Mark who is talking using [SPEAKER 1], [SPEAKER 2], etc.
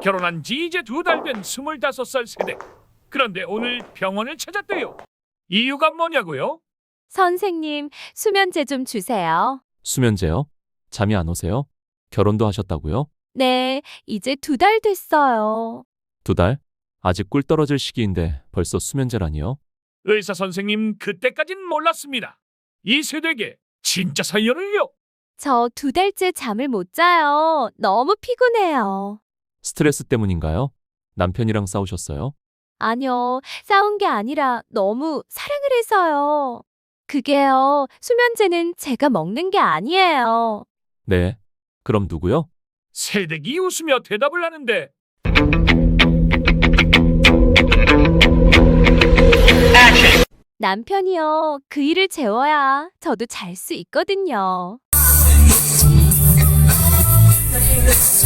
[SPEAKER 1] 결혼한 지 이제 2달 된 25살 세대. 그런데 오늘 병원을 찾았대요. 이유가 뭐냐고요?
[SPEAKER 2] 선생님, 수면제 좀 주세요.
[SPEAKER 3] 수면제요? 잠이 안 오세요? 결혼도 하셨다고요?
[SPEAKER 2] 네, 이제 2달 됐어요.
[SPEAKER 3] 2달? 아직 꿀 떨어질 시기인데 벌써 수면제라니요?
[SPEAKER 1] 의사 선생님, 그때까진 몰랐습니다. 이 세대에게 진짜 사연을요.
[SPEAKER 2] 저 2달째 잠을 못 자요. 너무 피곤해요.
[SPEAKER 3] 스트레스 때문인가요? 남편이랑 싸우셨어요?
[SPEAKER 2] 아니요, 싸운 게 아니라 너무 사랑을 해서요. 그게요, 수면제는 제가 먹는 게 아니에요.
[SPEAKER 3] 네. 그럼 누구요?
[SPEAKER 1] 세대기 웃으며 대답을 하는데
[SPEAKER 2] 남편이요, 그 일을 재워야 저도 잘 수 있거든요.